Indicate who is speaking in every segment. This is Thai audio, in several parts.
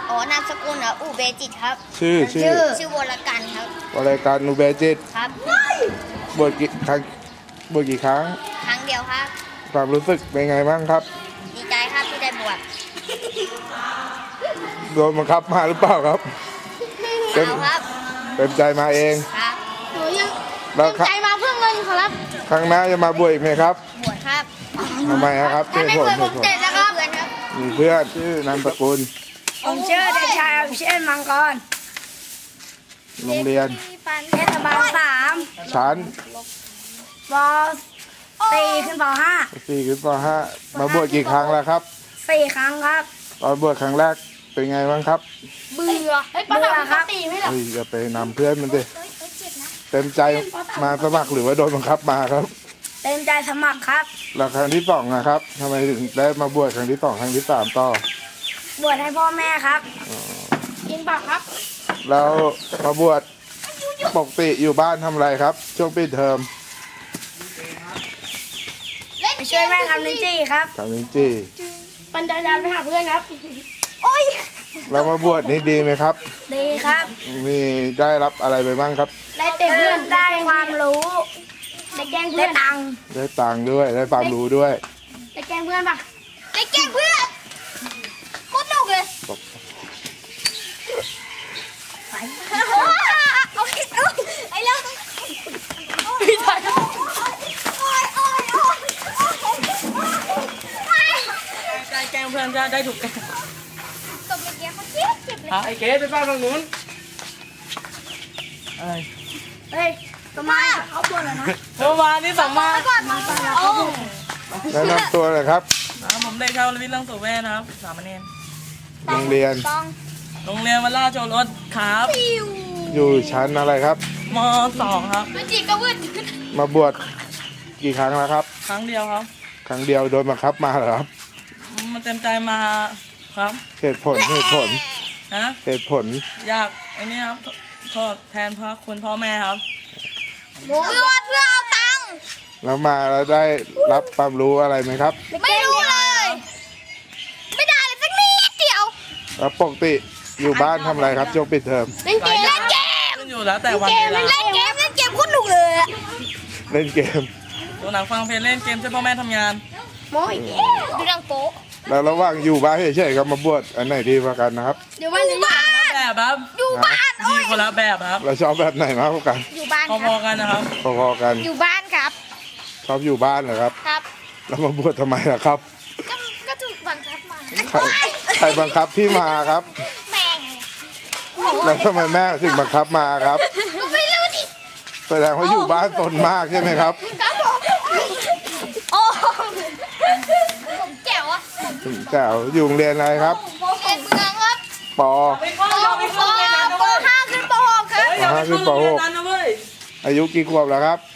Speaker 1: อ๋อนามสกุลอุเบจิตครับ
Speaker 2: ชื่อ
Speaker 1: วรกันครับ
Speaker 2: วรการอุเบจิต
Speaker 1: ครับ
Speaker 2: บวชกี่ครั้ง
Speaker 1: ครั้งเดียวครับ
Speaker 2: ความรู้สึกเป็นไงบ้างครับ
Speaker 1: ดีใจครับที่ได้บวช
Speaker 2: โดนบังคับมาหรือเปล่าครับ
Speaker 1: เปล่าครับ
Speaker 2: เต็มใจมาเอง
Speaker 1: ครับ
Speaker 3: หนูยังเต็มใจมาเพื่อเงินครับ
Speaker 2: ครั้งหน้าจะมาบวชอีกไหมครับ
Speaker 1: บวชครับ
Speaker 2: ทำไมครับ
Speaker 1: ไม่เคยผมเจ็บนะครับ
Speaker 2: มีเพื่อนชื่อนามสกุล
Speaker 3: ผมชื่อเด็กชายอภิเชษฐ์มังกร
Speaker 2: โรงเรียน
Speaker 3: เทศบาล3
Speaker 2: ชั้น
Speaker 3: ป.4 ขึ้นป
Speaker 2: .4 ขึ้นป.5 มาบวชกี่ครั้งแล้วครับ
Speaker 3: 4 ครั้งครับ
Speaker 2: ตอนบวชครั้งแรกเป็นไงบ้างครับ
Speaker 3: เบื่อครับ
Speaker 2: อย่าไปนำเพื่อนมันดิเต็มใจมาสมัครหรือว่าโดนบังคับมาครับ
Speaker 3: เต็มใจสมัครครับ
Speaker 2: แล้วครั้งที่2นะครับทำไมถึงได้มาบวชครั้งที่2ครั้งที่3ต่อบ
Speaker 3: วชให้พ่อแม่ครับกินปากครับ
Speaker 2: แล้วมาบวชปกติอยู่บ้านทำอะไรครับช่วงปิดเทอม
Speaker 3: ไปช่วยแม่ทำลิ้นจี่ครับ
Speaker 2: ทำลิ้นจี่
Speaker 3: ปั่นจักรยานไปหาเพื่อนครับโอ้ย
Speaker 2: แล้วมาบวชนี่ดีไหมครับ
Speaker 3: ดีครับ
Speaker 2: มีได้รับอะไรไปบ้างครับ
Speaker 3: ได้เต็มเพื่อนได้ความรู้ได้แกล้งเพื่อน
Speaker 2: ได้ตังค์ด้วยได้ความรู้ด้วย
Speaker 3: ได้แกล้งเพื่อนปะ
Speaker 1: ได้แกล้งเพื่อนโคตรหนุกเลยไอ้เรื่อง
Speaker 4: ได้แกล้งเพื่อนได้ถูกแกล้ง
Speaker 1: ตบเมื่อกี้เขาเจ็บเลย
Speaker 4: ไอ้เก๋ไปบ้านตรงนู้นอะไร
Speaker 3: เฮ้ยทำไมเขาปวดเหรอนะ
Speaker 4: เมื่อวานนี้2 มา
Speaker 2: แนะนำตัวเลยครับ
Speaker 4: ผมเด็กชาววิทย์ลังสุเวชนะครับสามเณร
Speaker 2: โรงเรียน
Speaker 4: วัดราชโอรสครับ
Speaker 2: อยู่ชั้นอะไรครับ
Speaker 4: ม.2 ครับ
Speaker 1: วิจิก็วืด
Speaker 2: มาบวชกี่ครั้งแล้วครับ
Speaker 4: ครั้งเดียวครับ
Speaker 2: ครั้งเดียวโดนบังคับมาเหรอครับ
Speaker 4: มันเต็มใจมาครับ
Speaker 2: เหตุผลเหตุผล
Speaker 4: อยากไอ้นี่ครับทดแทนพระคุณพ่อแม่ครับ
Speaker 1: เพื่อเอาตังค์
Speaker 2: แล้วมาแล้วได้รับความรู้อะไรไหมครับ
Speaker 1: ไม่รู้เลยไม่ได้เลยสักนิดเดียว
Speaker 2: แล้วปกติอยู่บ้านทำอะไรครับช่วงปิดเทอม
Speaker 1: เล่นเกม
Speaker 4: อยู่แล้วแต่วันเวลา
Speaker 1: เล่นเกมคุณหนุกเลย
Speaker 2: เล่นเกม
Speaker 4: ดูหนังฟังเพลงเล่นเกมช่วยพ่อแม่ทำงาน
Speaker 1: โม้ยดูหนังโป๊
Speaker 2: แล้วระหว่างอยู่บ้านเฉยๆกับมาบวชอันไหนดีกว่ากันนะครับ
Speaker 1: อยู่บ้าน
Speaker 4: แบบครับ
Speaker 1: อยู่บ้าน
Speaker 4: ดีคนละแบบครับ
Speaker 2: เราชอบแบบไหนมากกว่ากัน
Speaker 1: อยู่บ้าน
Speaker 4: พอๆกันนะครับ
Speaker 2: พอๆกัน
Speaker 1: อยู่บ้านครับ
Speaker 2: ชอบอยู่บ้านเหรอครับ
Speaker 1: ครับ
Speaker 2: แล้วมาบวชทำไมล่ะครับ
Speaker 1: ก็ถูกบังคับมา
Speaker 2: ใครบังคับที่มาครับ
Speaker 1: แม่
Speaker 2: แล้วทำไมแม่ถึงบังคับมาครับ
Speaker 1: ไม่รู้ดิ
Speaker 2: แสดงว่าอยู่บ้านตนมากใช่ไหมครับ
Speaker 1: โอ้ผมแจ๋วอะ
Speaker 2: แจ๋วอยู่โรงเรียนอะไรครับ
Speaker 1: เรียนเมืองครับ
Speaker 2: ป
Speaker 1: .5 ขึ้นป.6 ครับ
Speaker 2: .5 ขึ้นป.6 อายุกี่ขวบแล้วครับ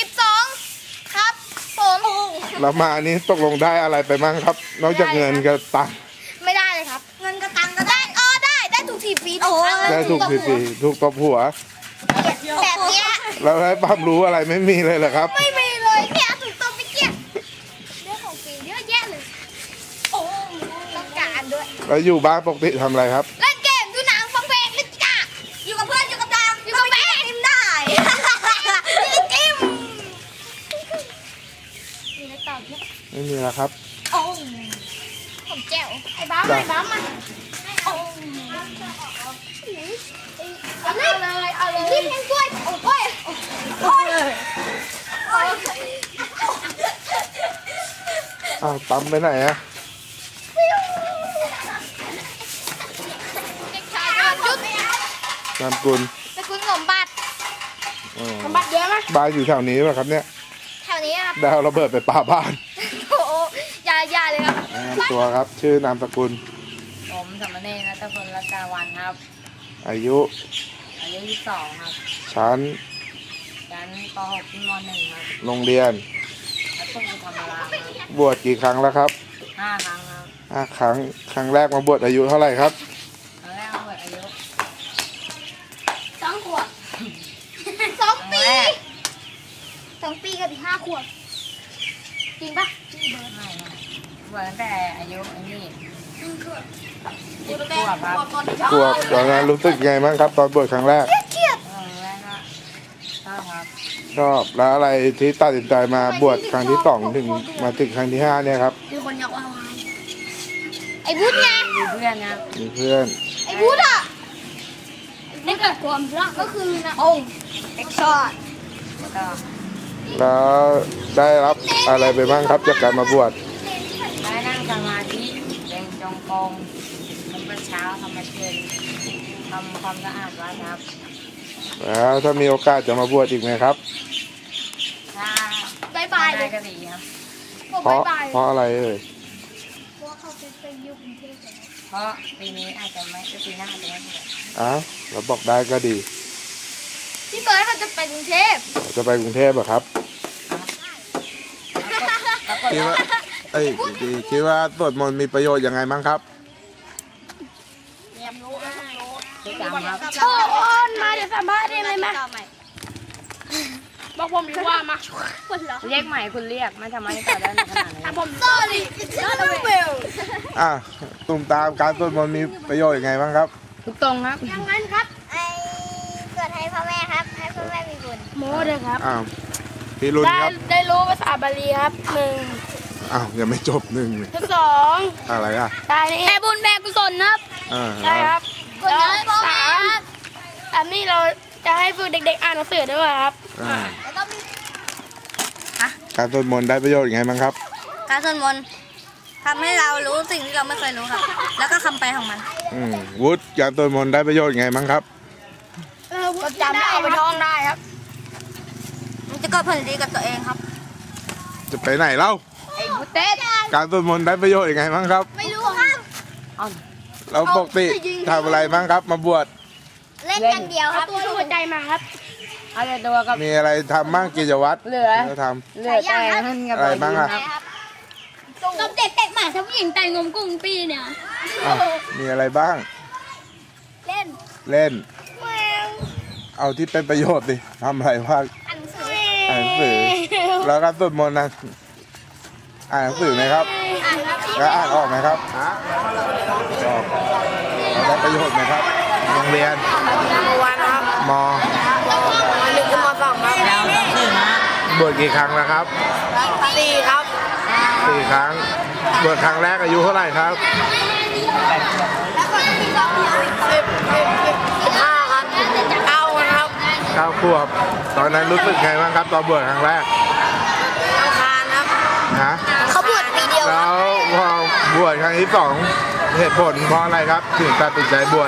Speaker 1: 12ครับผม
Speaker 2: แล้วมาอันนี้ตกลงได้อะไรไปมั่งครับนอกจากเงินกับตังค์
Speaker 1: ไม่ได้เลยครับเงินกับตังค์ก็ได้ได้ถูกทีฟรี
Speaker 2: ได้ถูกทีฟรีถูกตบหัว
Speaker 1: แบบเนี้ย
Speaker 2: แล้วให้ความรู้อะไรไม่มีเลยเหรอครับ
Speaker 1: ไม่มีเลยแค่ถูกตบไปเกี้ยเรื่องของฟรีเยอะแยะเลยโอ้ต้องการด้วย
Speaker 2: แล้วอยู่บ้านปกติทำอะไรครับ
Speaker 1: เล่นเกมดูหนังฟังเพลงเล่นกีตาร์อยู่กับเพื่อนอยู่กับดังอยู่กับแม่ทิมได้ทิมมีอะไรตอบไหม
Speaker 2: ไม่มีแล้วครับ
Speaker 1: โอ้ผมแจ๋วไอ้บ้ามันโอ้เอาเลยที่เพลงกล้วยโอ้ย
Speaker 2: ปั๊มไปไหนอะนามกุล
Speaker 1: สมบัติ
Speaker 3: เยอะไหม
Speaker 2: บ้านอยู่แถวนี้ป่ะครับเนี่ย
Speaker 1: แถวนี้ครับ
Speaker 2: ดาวระเบิดไปป่าบ้าน
Speaker 1: โอ้ยาเลยครับ
Speaker 2: ตัวครับชื่อนามสกุล
Speaker 4: ผมสามเณรณัฐพล รัตดาวันครับ
Speaker 2: อายุ
Speaker 4: 22ครับ
Speaker 2: ชั้น
Speaker 4: ป.6 ขึ้นม.1 ครับ
Speaker 2: โรงเรียน
Speaker 4: วัดตุ้งธรรมราครับ
Speaker 2: บวชกี่ครั้งแล้วครับ
Speaker 4: 5 ครั้งครับ
Speaker 2: 5 ครั้งครั้งแรกมาบวชอายุเท่าไหร่ครับ
Speaker 4: ครั้งแรกมาบวชอายุ
Speaker 1: 2 ขวบ2 ปีกับอีก5 ขวบจริงปะ
Speaker 4: ไม่บวชตั้งแต่อายุ1 ขวบกลัวครับ
Speaker 2: กลัวตอนนั้นรู้สึกไงบ้างครับ ตอนบวชครั้งแรก
Speaker 4: แรกก็ชอบครับ
Speaker 2: ชอบแล้วอะไรที่ตัดสินใจมาบวชครั้งที่ 2ถึงมาถึงครั้งที่ 5เนี่ยครับ
Speaker 1: มีคนอยากว่าวายไอ้บูธไง
Speaker 4: มีเพื่อนนะครับ
Speaker 2: มีเพื่อน
Speaker 1: ไอ้บูธอ่ะได้เกิดความรักก็คือนะองค์เอ็กซ์ชอต
Speaker 4: แล้วก็
Speaker 2: แล้วได้รับอะไรไปบ้างครับจากการมาบวช
Speaker 4: ได้นั่งสมาธิเดินจงกรมทำวัดเช้าทำวัดเย็นทำความสะอาดวัดครับ
Speaker 2: แล้วถ้ามีโอกาสจะมาบวชอีกไหมครับ
Speaker 4: ถ้า
Speaker 1: บายบายเล
Speaker 4: ได้
Speaker 1: ย
Speaker 4: ก็ดีครับ
Speaker 1: ผม
Speaker 2: เพราะ
Speaker 1: บายบาย
Speaker 2: เพราะอะไรเอ่ย
Speaker 1: เพราะเขาไปอยู่กรุงเทพกัน
Speaker 4: เพราะปีนี้อาจจะไม่ปีหน้าอาจจะไม่บวช
Speaker 2: อ้าวเราบอกได้ก็ดี
Speaker 1: พี่เบิร์ดเขาจะไปกรุงเทพ
Speaker 2: จะไปกรุงเทพเหรอครับ
Speaker 4: แล้วก็
Speaker 2: คิดว่าคิดว่าสวดมนต์มีประโยชน์ยังไงบ้างครับ
Speaker 4: ที่จำครับ
Speaker 3: โอ้นมาเดี๋ยวสัมภาษณ์ได้ไหมมาบอกผมดีว่ามา
Speaker 1: คนเหรอ
Speaker 4: เรียกใหม่คุณเรียกไม่ทำไมต่อได้ขนาดนี้
Speaker 3: ผม
Speaker 1: sorry not a will
Speaker 2: อ่ะตุ่มตามการสวดมนต์มีประโยชน์ยังไงบ้างครับ
Speaker 4: ทุกตรงครับ
Speaker 1: อย่างนั้นครับไอ้เกิดให้พ่อแม่ครับ ให้พ่อแม่มีบุญ
Speaker 3: โม้เลยครับ
Speaker 2: อ้าวพี่รุ่นครับ
Speaker 3: ได้รู้ภาษาบาลีครับหนึ่ง
Speaker 2: อ้าวยังไม่จบหนึ่งเลย
Speaker 3: สอง
Speaker 2: อะไรอ่ะ
Speaker 3: ได้นี่แม่บุญแม่กุศลครับ
Speaker 2: อ่า
Speaker 3: ได้ครับ
Speaker 1: คนเยอะให้พ่อแม่ครับ
Speaker 3: อันนี้เราจะให้ฝึกเด็กๆอ่านหนังสือด้วยครับ
Speaker 2: อ่า
Speaker 1: แล้วก็มี
Speaker 2: การสวดมนต์ได้ประโยชน์ยังไงบ้างครับ
Speaker 1: การสวดมนต์ทำให้เรารู้สิ่งที่เราไม่เคยรู้ครับ แล้วก็คำไปของมัน
Speaker 2: วุฒิการสวดมนต์ได้ประโยชน์ยังไงบ้างครับ
Speaker 3: ก็จำได้เอาไปท่องได้ครับ
Speaker 1: มันจะเกิดผลดีกับตัวเองครับ
Speaker 2: จะไปไหนเล่า
Speaker 1: ไอ้บุเต้
Speaker 2: การสวดมนต์ได้ประโยชน์ยังไงบ้างครับ
Speaker 1: ไม่รู้ครับ
Speaker 2: เราปกติทำอะไรบ้างครับ มาบวช
Speaker 1: เล่นอย่างเดียวครับ
Speaker 3: ตัวหัวใจมาครับ
Speaker 4: เอาแต่ตัวกับ
Speaker 2: มีอะไรทำบ้างกิจวัตร
Speaker 4: เหลือ
Speaker 2: ที่เราท
Speaker 4: เหลือแต่นั่นกับ
Speaker 2: อะไรบ้างอะ
Speaker 1: ตบเด็กเตะหมาถ้าผู้หญิงแต่งงมกุ้งปีเนี่ย
Speaker 2: ำอ่ะมีอะไรบ้าง
Speaker 1: เล่น
Speaker 2: เล่น เอาที่เป็นประโยชน์ดิทำอะไรบ้าง
Speaker 1: อ่านหนังสือ
Speaker 2: อ่านหนังสือ แล้วการสวดมนต์นะอ่านหนังสือไหมครับ
Speaker 1: อ่านครับ
Speaker 2: แล้วอ่านออกไหมครับออกแล้วได้ประโยชน์ไหมครับโรงเรียน
Speaker 3: วันครับ
Speaker 2: ม
Speaker 3: หนึ่งถึงมสองครับ
Speaker 4: เราหนังสือนะ
Speaker 2: บวชกี่ครั้งแล้วครับ
Speaker 3: สี่ครับ
Speaker 2: 4 ครั้งบวชครั้งแรกอายุเท่าไหร่ครับ
Speaker 3: 15ครับ9ครับ
Speaker 2: 9 ขวบ ตอนนั้นรู้สึกไงบ้างครับตอนบวชครั้งแรก
Speaker 3: อังคารครับ
Speaker 2: ฮะ
Speaker 1: เขาบวชปีเดียว
Speaker 2: แล้วพอบวชครั้งที่ 2 เหตุผลเพราะอะไรครับ ถึงตัดสินใจบวช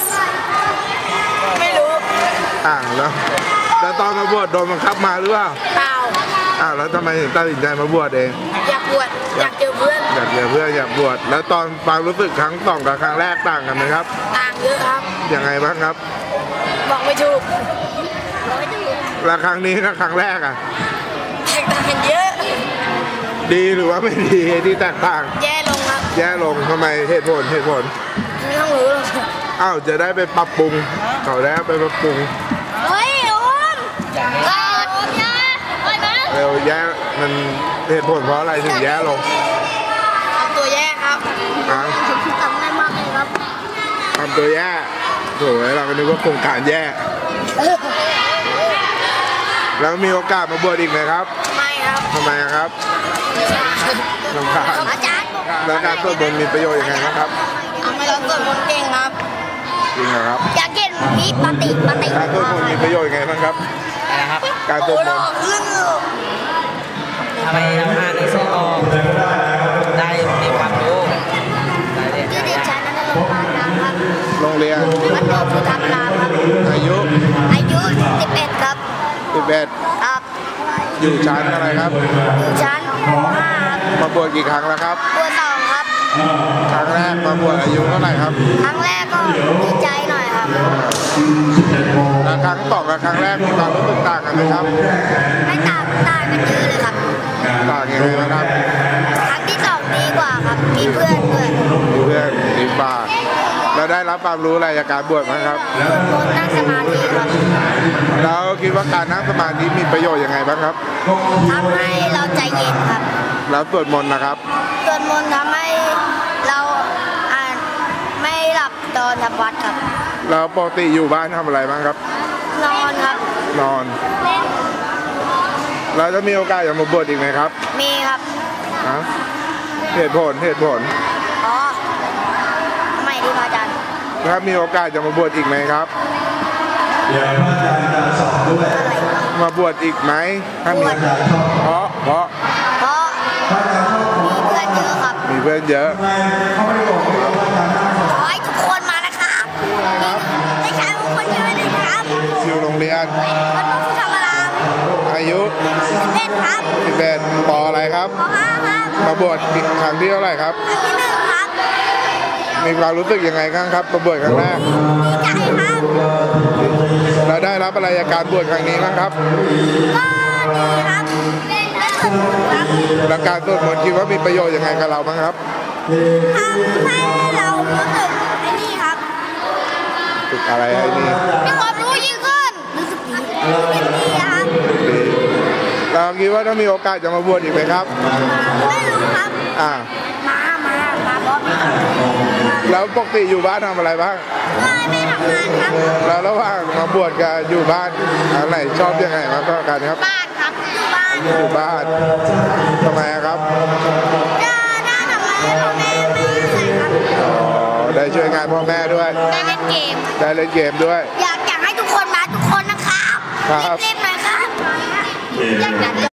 Speaker 3: ไม่รู้
Speaker 2: แล้วตอนมาบวชโดนบังคับมาหรือเปล่า
Speaker 3: เปล่า
Speaker 2: แล้วทำไมถึงตัดสินใจมาบวชเอง
Speaker 3: อยากบวชอยากเจอเพื่อน
Speaker 2: อยากเจอเพื่อนอยากบวชแล้วตอนความรู้สึกครั้ง 2กับครั้งแรกต่างกันไหมครับ
Speaker 3: ต่างเยอะครับ
Speaker 2: ยังไงบ้างครับ
Speaker 3: บอกไม่ถูก
Speaker 2: แล้วครั้งนี้กับครั้งแรกอ่ะ
Speaker 3: แตกต่างกันเยอะ
Speaker 2: ดีหรือว่าไม่ดีที่แตกต่าง
Speaker 3: แย่ลงครับ
Speaker 2: แย่ลงทำไมเหตุผล
Speaker 3: ไม่ต้องรู้หรอก
Speaker 2: อ้าวจะได้ไปปรับปรุงเขาแล้วไปปรับปรุง
Speaker 1: เฮ้ยโอมเกิดยาไปนะ
Speaker 2: เร็วแย่มันเหตุผลเพราะอะไรถึงแย่ลง
Speaker 3: ทำตัวแย่ครับ
Speaker 2: อ่ะ
Speaker 1: ทำง่ายมากเลยครับ
Speaker 2: ทำตัวแย่โถ่เราก็นึกว่าโครงการแย่ แล้วมีโอกาสมาบวชอีกไหมครับ
Speaker 3: ไม่ครับ
Speaker 2: ทำไมอะครับลำคาญ
Speaker 1: อาจารย์
Speaker 2: แล้วการสวดมนต์มีประโยชน์ยังไงบ้างครับ
Speaker 3: เอาไม่รับเกิดคนเก่งครับ
Speaker 2: จริงเหรอครับ
Speaker 1: อยากเห็นวิปฏิ
Speaker 2: การสวดมนต์มีประโยชน์ยังไงบ้างครับ
Speaker 4: อะไรครับ
Speaker 2: การสวดมนต์
Speaker 4: ทำไมทำงานในซื้อออกได้มีความรู้ได้เรียน
Speaker 1: ที่ดิฉันนั้นโรงพยาบาลนะครับ
Speaker 2: โรงเรียน
Speaker 1: วัดโพธิธรรมรามครับ
Speaker 2: อายุ
Speaker 1: อายุ 11 ครับ
Speaker 2: 11
Speaker 1: ครับ
Speaker 2: อยู่ชั้นอะไรครับ
Speaker 1: อยู่ชั้น5ครับ
Speaker 2: มาบวชกี่ครั้งแล้วครับ
Speaker 1: ตัว2ครับ
Speaker 2: ครั้งแรกมาบวชอายุเท่าไหร่ครับ
Speaker 1: ครั้งแรกก็ดีใจหน่อยครับ
Speaker 2: แล้วครั้งต่อกับครั้งแรกมีความรู้สึกต่างกันไหมครับ
Speaker 1: ไม่ต่างกันเยอะเลยครับ
Speaker 2: ต่างยังไงบ้างครับ
Speaker 1: ครั้งที่2ดีกว่าครับ มีเพื่อนด้วย
Speaker 2: มีเพื่อนดีกว่าแล้วได้รับความรู้อะไรจากการบวชไหมครับ
Speaker 1: สวดมนต์นั่งสมาธิครับ
Speaker 2: แล้วคิดว่าการนั่งสมาธิมีประโยชน์ยังไงบ้างครับ
Speaker 1: ทำให้เราใจเย็นครับ
Speaker 2: แล้วสวดมนต์นะครับ
Speaker 1: สวดมนต์ทำให้เราอ่าน
Speaker 3: ตอนทำวัดครับ
Speaker 2: แล้วปกติอยู่บ้านทำอะไรบ้างครับ
Speaker 3: นอนครับ
Speaker 2: นอน แล้วจะมีโอกาสอยากมาบวชอีกไหมครับ
Speaker 3: มีครับ
Speaker 2: ฮะเหตุผล
Speaker 3: อ๋อทำไมดีพระอาจารย์
Speaker 2: ถ้ามีโอกาสจะมาบวชอีกไหมครับ
Speaker 5: เดี๋ยวพระอาจารย์จะสอนด้วย
Speaker 3: อะไรครับ
Speaker 2: มาบวชอีกไหมถ้ามีเพราะ
Speaker 3: เพราะ
Speaker 5: พระอาจารย์ชอบ
Speaker 3: มีเพื่อนเยอะครับ
Speaker 2: มีเพื่อนเยอะ
Speaker 5: ทำไมเขาไม่ได้บอกเลยว่าพระอาจารย์นั่งสอน
Speaker 3: ขอให้ทุกคนมานะครับได้ใช้ทุกคนเยอะเลยครับ
Speaker 2: อยู่โรงเรียน
Speaker 3: วัดพระพุทธธรรมราม
Speaker 2: อายุ
Speaker 3: เล่นครับ
Speaker 2: 11ปออะไรครับ
Speaker 3: ขอห้าครับ
Speaker 2: มาบวชครั้งที่เท่าไหร่ครับ
Speaker 3: อันที่หนึ่งครับ
Speaker 2: มีความรู้สึกยังไงบ้างครับมาบวชครั้งแรก
Speaker 3: ดีใจครับ
Speaker 2: เราได้รับอะไรจากการบวชครั้งนี้บ้างครับ
Speaker 3: ก็ดีครับได้ฝึกครับ
Speaker 2: แล้วการสวดมนต์คิดว่ามีประโยชน์ยังไงกับเราบ้างครับ
Speaker 3: ทำให้เรารู้สึกไอ้นี่ครับ
Speaker 2: ฝึกอะไรให้นี่
Speaker 3: มีความรู้ยิ่งขึ้นรู้สึกดีครับ
Speaker 2: ดีเราคิดว่าถ้ามีโอกาสจะมาบวชอีกไหมครับ
Speaker 3: ไม่รู้ครับ
Speaker 2: อ่า
Speaker 3: มาบอส
Speaker 2: แล้วปกติอยู่บ้านทำอะไรบ้าง
Speaker 3: ไม่ทำงานครับ
Speaker 2: แล้วระหว่างมาบวชกับอยู่บ้านอันไหนชอบยังไงมากกว่ากันครับ
Speaker 3: บ้านครับอยู่บ้าน
Speaker 2: อยู่บ้านทำไมครับ
Speaker 3: จะได้ทำงานให้พ่อแม่ไม่เหนื่อยครับ
Speaker 2: อ๋อได้ช่วยงานพ่อแม่ด้วย
Speaker 3: ได้เล่นเกม
Speaker 2: ได้เล่นเกมด้วย
Speaker 3: อยากให้ทุกคนมาทุกคนนะครับ
Speaker 2: ครับ
Speaker 3: รีบๆหน่อยครับอยาก